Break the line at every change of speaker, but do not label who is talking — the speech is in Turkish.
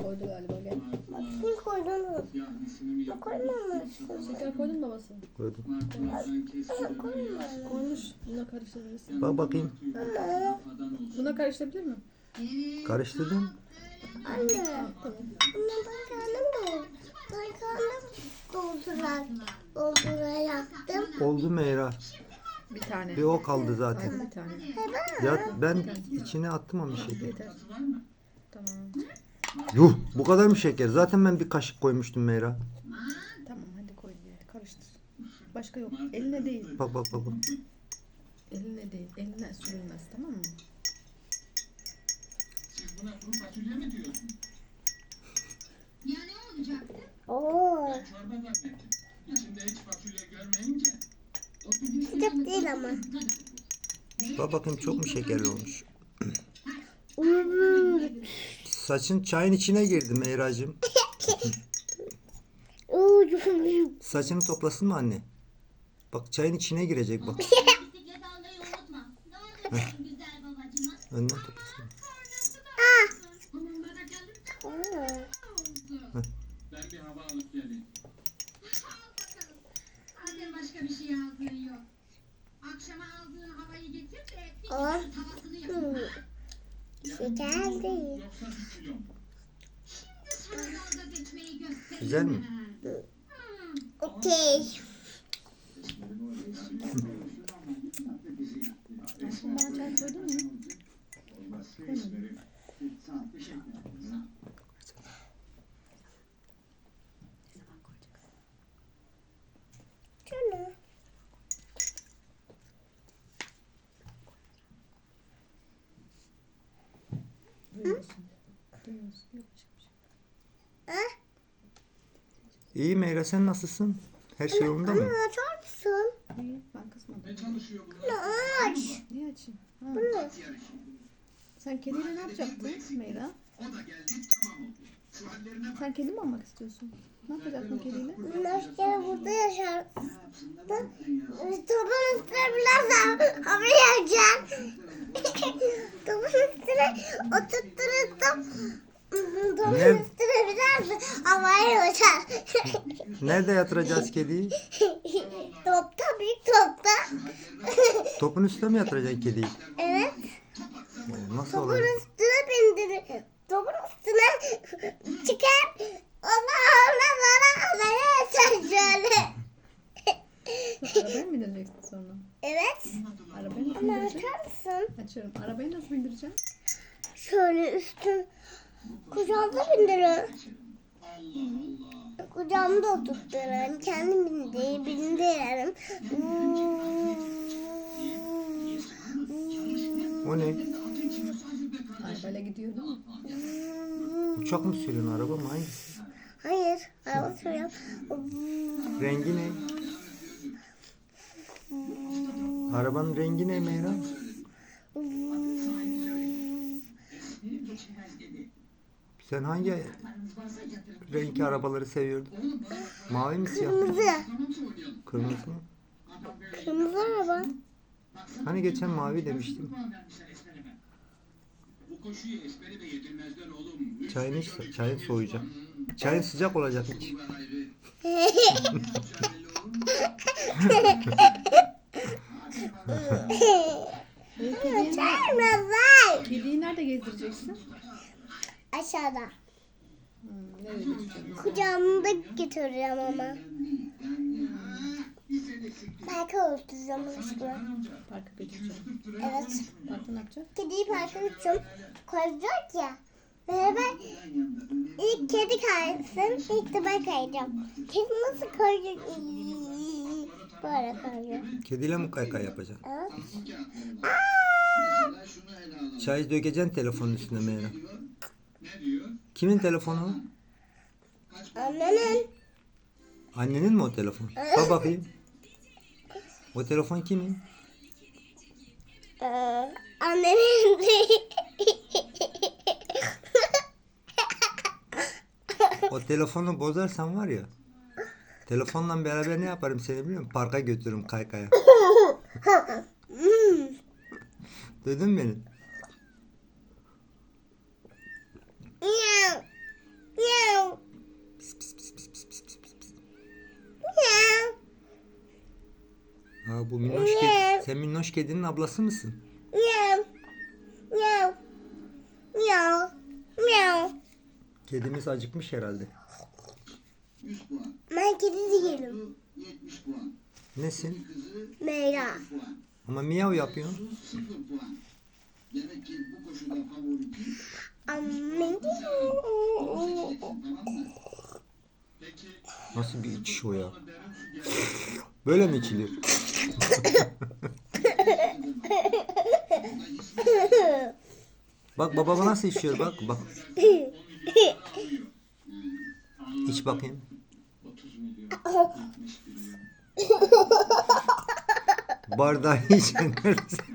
koydu galiba, gel.
Bakayım koydun mu? Koymamışsın.
Şeker koydun mu babası?
Koydum.
Koymuş. Buna karıştırabilirsin.
Bak bakayım.
Buna karıştırabilir mi?
Karıştırdım.
Anne.
Tamam.
Ama ben kendim dolduracaktım.
Oldu Meyra.
Bir tane.
Bir o kaldı zaten.
Aynen, bir tane.
Ya ben içine attım ama şeker.
Yeter. Tamam.
Yuh, bu kadar mı şeker? Zaten ben bir kaşık koymuştum Meyra.
Tamam, hadi koy bir. Karıştır. Başka yok. Eline değil.
Bak bak bak. Bak.
Eline değil. Eline sürülmez, tamam mı?
Buna kuru fasulye mi diyorsun?
Ya ne olacaktı?
Oo.
Ben çorba zannettim. İçinde hiç fasulye görmeyince.
Sıcak değil ama.
Bak bakayım, çok mu şekerli olmuş?
Hmm.
Saçın çayın içine girdi Meyracığım. Saçını toplasın mı anne? Bak çayın içine girecek bak.
Bisiklet almayı unutma. Ne oldu benim güzel babacığıma?
Önden toplasın.
Hamamda da geldim.
Ben bir hava alıp geleyim.
Al bakalım. Zaten başka bir şey aldığın yok. Akşama aldığın havayı getir de bir
Aa.
tavasını yapayım.
Şeker değil.
Yoksa 1 kilo mu?
Şimdi sana dalga geçmeyi göstereyim.
Güzel mi?
Okey.
Aşkım, bana çay koydun mu?
Şunu.
Duyuyorsun. Duyuyorsun. Yok başka bir şey.
İyi Meyra, sen nasılsın? Her şey yolunda mı?
Anne açar mısın?
İyi, ben kızmadım.
Ne çalışıyor bunlar?
Aç.
Niye açayım? Ha.
At yarışı.
Sen kediyle ne yapacaktın Meyra?
O da geldi, tamam oldu. Şu hallerine bak.
Sen kedi mi almak istiyorsun? Ne yapacaksın kediyle?
Başka burada yaşar. Topun üstüne biraz hava yiyeceğim. Topun üstüne oturtturursam topun
Ne?
üstüne biraz havaya uçar.
Nerede yatıracağız kediyi?
Topta, büyük topta.
Topun üstüne mi yatıracaksın kediyi?
Evet.
Nasıl
Topun
olacak?
üstüne bindirir. Topun üstüne çıkar. Ona havaya uçar şöyle.
Arabaya mı bindireceksin sonra?
Evet.
Arabaya nasıl
Ama
bindireceksin?
açar mısın?
Açıyorum. Arabayı nasıl bindireceğim?
Şöyle üstün kucağımda bindiririm. Kucağımda oturturum. Kendim bindiririm.
O ne?
Arabayla gidiyor değil mi?
Uçak mı sürüyorsun, araba mı, hangisi?
Hayır, araba sürüyorum.
Rengi ne? Arabanın rengi ne Meyra? Sen hangi renk arabaları seviyordun? Mavi mi, siyah mı?
Kırmızı.
Kırmızı mı?
Kırmızı araba.
Hani geçen mavi demiştim.
Bu koşuyu ezbere de yedirmezler oğlum.
Çayın soğuyacak. Çayın sıcak olacak hiç.
Kediyi,
Kırmızı.
kediyi nerede gezdireceksin?
Aşağıda.
Nereye gezdireceksin?
Kucağımda götüreceğim ama. Belki öldüreceğim aşkına.
Parka götüreceğim.
Evet.
Parkta ne yapacak?
Kediyi parka götüreceğim. Koyacak ya. Beraber ilk kedi kaysın, ilk de ben kayacağım. Kedi nasıl kayacak? Böyle kayıyor.
Kediyle mi kaykay yapacaksın?
Evet.
Çay dökeceksin telefonun üstüne Meyra.
Ne diyor?
Kimin telefonu?
Annenin.
Annenin mi o telefon? Bak bakayım. O telefon kimin?
Annenin değil.
O telefonu bozarsan var ya. Telefonla beraber ne yaparım seni biliyor musun? Parka götürürüm kaykaya. Duydun mu beni? Bu minnoş kedi. Sen minnoş kedinin ablası mısın?
Miau. Miau. Miau. Miau.
Kedimiz acıkmış herhalde.
100 puan.
Ben kedi değilim.
70 puan.
Nesin?
Kızı
Meyra.
puan.
Ama miyav yapıyorsun.
Su 0 puan. Demek ki bu koşuda favori kim?
Amin.
Onu seçeceksin, tamam mı? Peki.
Nasıl bir içiş o ya?
Derin su geldi.
Böyle mi içilir? Bak baba nasıl içiyor bak bak. İç bakayım.
30 milyon. 70 milyon.
Bardağı içenler